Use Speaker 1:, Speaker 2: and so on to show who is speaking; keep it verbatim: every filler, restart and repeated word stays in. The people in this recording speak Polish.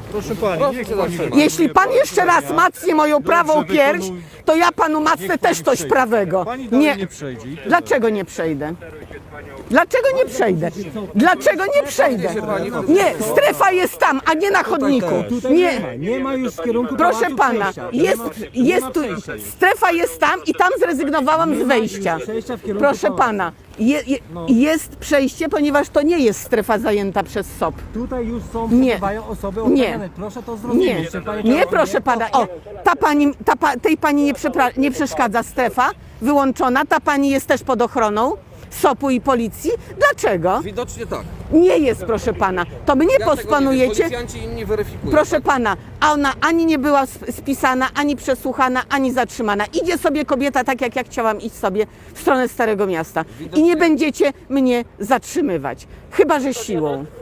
Speaker 1: Proszę pani,
Speaker 2: Proszę
Speaker 1: niech
Speaker 2: się
Speaker 1: pani
Speaker 2: zatrzymać.
Speaker 3: Jeśli pan jeszcze raz macnie moją prawą
Speaker 1: Dobrze,
Speaker 3: pierś,
Speaker 1: wykonuj.
Speaker 3: to ja panu macnę
Speaker 1: Niech
Speaker 3: też
Speaker 1: pani
Speaker 3: coś
Speaker 1: przejdzie.
Speaker 3: prawego.
Speaker 1: Pani dalej
Speaker 3: Nie.
Speaker 1: nie przejdzie. i tyle.
Speaker 3: Dlaczego nie przejdę? Dlaczego nie przejdę? Dlaczego nie przejdę? Nie, strefa jest tam, a nie na chodniku.
Speaker 4: Tutaj nie ma,
Speaker 3: Nie.
Speaker 4: nie ma już w kierunku
Speaker 3: Proszę
Speaker 4: pałacu
Speaker 3: pana,
Speaker 4: przejścia. Nie
Speaker 3: jest,
Speaker 4: ma- nie
Speaker 3: jest
Speaker 4: ma
Speaker 3: tu,
Speaker 4: przejścia już.
Speaker 3: strefa jest tam i tam zrezygnowałam z
Speaker 4: Nie ma już
Speaker 3: wejścia.
Speaker 4: przejścia w kierunku
Speaker 3: Proszę
Speaker 4: pałacu.
Speaker 3: pana, je, je,
Speaker 4: No.
Speaker 3: jest przejście, ponieważ to nie jest strefa zajęta przez S O P.
Speaker 4: Tutaj już są,
Speaker 3: Nie.
Speaker 4: przebywają osoby
Speaker 3: Nie.
Speaker 4: oceniane. Proszę to zrozumieć.
Speaker 3: Nie,
Speaker 4: że pani
Speaker 3: nie
Speaker 4: to-
Speaker 3: proszę pana. O, ta pani, ta pa, tej pani nie, przepra- nie przeszkadza strefa wyłączona, ta pani jest też pod ochroną S O P u i policji. Dlaczego?
Speaker 2: Widocznie tak.
Speaker 3: Nie jest, proszę pana. To mnie
Speaker 2: Ja tego nie wiem,
Speaker 3: pospanujecie.
Speaker 2: policjanci inni weryfikują.
Speaker 3: Proszę pana, a ona ani nie była sp- spisana, ani przesłuchana, ani zatrzymana. Idzie sobie kobieta tak, jak ja chciałam iść sobie w stronę Starego Miasta. I nie będziecie mnie zatrzymywać. Chyba że siłą.